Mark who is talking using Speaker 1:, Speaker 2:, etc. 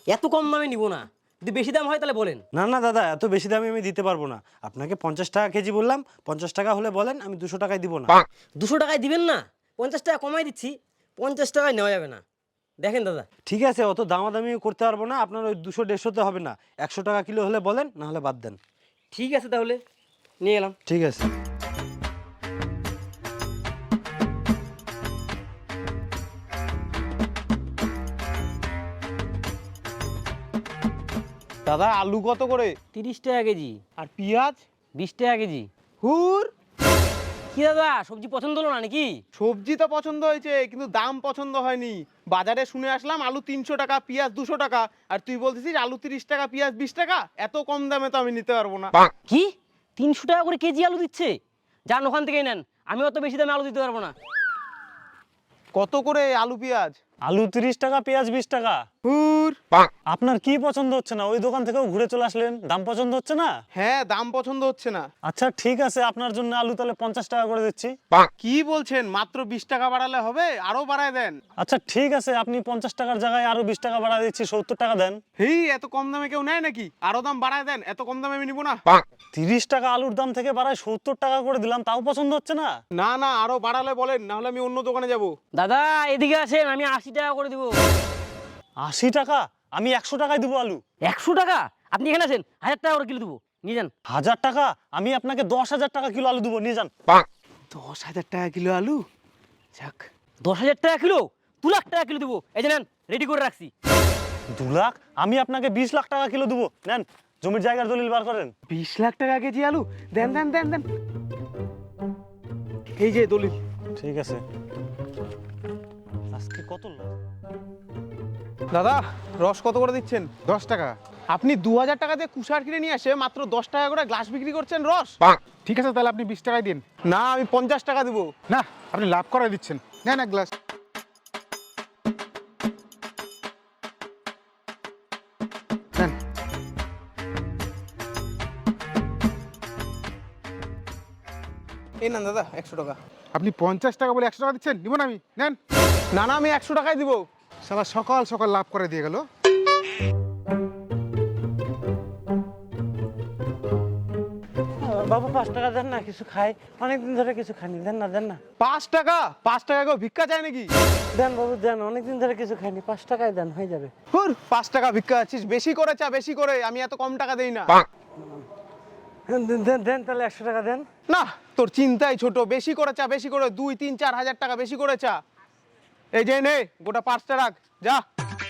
Speaker 1: এত কম দামে নিব না, যদি বেশি দাম হয় তাহলে বলেন।
Speaker 2: না না দাদা, এত বেশি দামে আমি দিতে পারবো না। আপনাকে 50 টাকা কেজি বললাম, 50 টাকা হলে বলেন, আমি 200 টাকায় দিব না।
Speaker 1: 200 টাকায় দিবেন না? 50 টাকা কমাই দিচ্ছি, 50 টাকায় নেওয়া যাবে না। দেখেন দাদা।
Speaker 2: ঠিক আছে, অত দামাদামি করতে পারবো না। আপনার ওই 200-150-তে হবে না, 100 টাকা কিলো হলে বলেন, না হলে বাদ দেন।
Speaker 1: ঠিক আছে তাহলে নিয়ে এলাম।
Speaker 2: ঠিক আছে।
Speaker 3: দাদা আলু কত করে?
Speaker 1: 30 টাকা কেজি।
Speaker 3: আর পেঁয়াজ?
Speaker 1: 20 টাকা কেজি।
Speaker 3: হুর,
Speaker 1: কি দাদা, সবজি পছন্দ হলো না নাকি?
Speaker 3: সবজি তো পছন্দ হয়েছে কিন্তু দাম পছন্দ হয়নি। বাজারে শুনে আসলাম আলু 300 টাকা, পেঁয়াজ 200 টাকা, আর তুই বলতেছিস আলু 30 টাকা, পেঁয়াজ 20 টাকা। এত কম দামে তো আমি নিতে পারবো না।
Speaker 1: কি 300 টাকা করে কেজি আলু দিচ্ছে? যান ওখান থেকেই নেন, আমি অত বেশি দামে আলু দিতে পারবো না।
Speaker 3: কত করে আলু পেঁয়াজ?
Speaker 2: আলু 30 টাকা, পেঁয়াজ 20 টাকা।
Speaker 3: হুর,
Speaker 2: আপনার কি পছন্দ হচ্ছে না? ওই দোকান থেকেও ঘুরে চলে আসলেন, দাম পছন্দ হচ্ছে না?
Speaker 3: হ্যাঁ দাম পছন্দ হচ্ছে না।
Speaker 2: আচ্ছা ঠিক আছে, আপনার জন্য আলু তাহলে 50 টাকা করে দিচ্ছি।
Speaker 3: কি বলছেন, মাত্র 20 টাকা বাড়ালে হবে? আরো বাড়ায় দেন।
Speaker 2: আচ্ছা ঠিক আছে, আপনি 50 টাকার জায়গায় আরো 20 টাকা বাড়া দিচ্ছি, 70 টাকা দেন।
Speaker 3: হেই, এত কম দামে কেউ নেয় নাকি? আরো দাম বাড়ায় দেন, এত কম দামে আমি নিবো না।
Speaker 2: 30 টাকা আলুর দাম থেকে বাড়ায় 70 টাকা করে দিলাম, তাও পছন্দ হচ্ছে না?
Speaker 3: না না, আরো বাড়ালে বলেন, না হলে আমি অন্য দোকানে যাব।
Speaker 1: দাদা এদিকে আসেন, আমি 80 টাকা করে দিব।
Speaker 2: 80 টাকা? আমি 100 টাকায় দিব আলু।
Speaker 1: 100 টাকা? আপনি এখানে আসেন, 1000 টাকা করে কিলো দেবো, নিয়ে যান।
Speaker 2: 1000 টাকা? আমি আপনাকে 10,000 টাকা কিলো আলু দেবো, নিয়ে যান।
Speaker 3: 10,000 টাকা কিলো আলু? যাক।
Speaker 1: 10,000 টাকা কিলো? 2 লাখ টাকা কিলো দেবো, এই যে নেন, রেডি করে রাখছি।
Speaker 2: 2 লাখ? আমি আপনাকে 20 লাখ টাকা কিলো দেবো, নেন। জমির জায়গার দলিল বার করেন।
Speaker 3: 20 লাখ টাকা কেজি আলু? দেন দেন দেন দেন। এই যে দলিল।
Speaker 2: ঠিক আছে। আজকে কত লাখ?
Speaker 3: দাদা রস কত করে দিচ্ছেন?
Speaker 4: 10 টাকা।
Speaker 3: আপনি 2000 টাকা দিয়ে কুষার কিনে নিয়ে আসে মাত্র 10 টাকা করে গ্লাস বিক্রি করছেন রস।
Speaker 4: ঠিক আছে, তাহলে আপনি 20 টাকায় দিন।
Speaker 3: না, আমি 50 টাকা দিব।
Speaker 4: না, আপনি লাভ করে দিচ্ছেন। নেন এক গ্লাস। নেন।
Speaker 3: এই না দাদা 100 টাকা।
Speaker 4: আপনি 50 টাকা বলে 100 টাকা দিচ্ছেন, নিব না আমি। নেন।
Speaker 3: না না, আমি 100 টাকাই দিব।
Speaker 4: সালা সকাল সকাল লাভ করে দিয়ে গেল।
Speaker 2: বাবু 5 টাকা দেন না, কিছু খাই, অনেকদিন ধরে কিছু খাইনি, দেন না দেন না।
Speaker 3: 5 টাকা? 5 টাকা কেউ ভিক্ষা চায় নাকি?
Speaker 2: দেন বাবু দেন, অনেকদিন ধরে কিছু খাইনি, 5 টাকায় দেন, হয়ে যাবে।
Speaker 3: হুর, 5 টাকা ভিক্ষা আছিস? বেশি করে চা, বেশি করে। আমি এত কম টাকা দেই না।
Speaker 2: দেন দেন তাহলে 100 টাকা দেন।
Speaker 3: না, তোর চিন্তাই ছোট। বেশি করে চা, বেশি করে 2, 3, 4 হাজার টাকা বেশি করে চা। এই যে নে, গোটা 5টা রাখ, যা।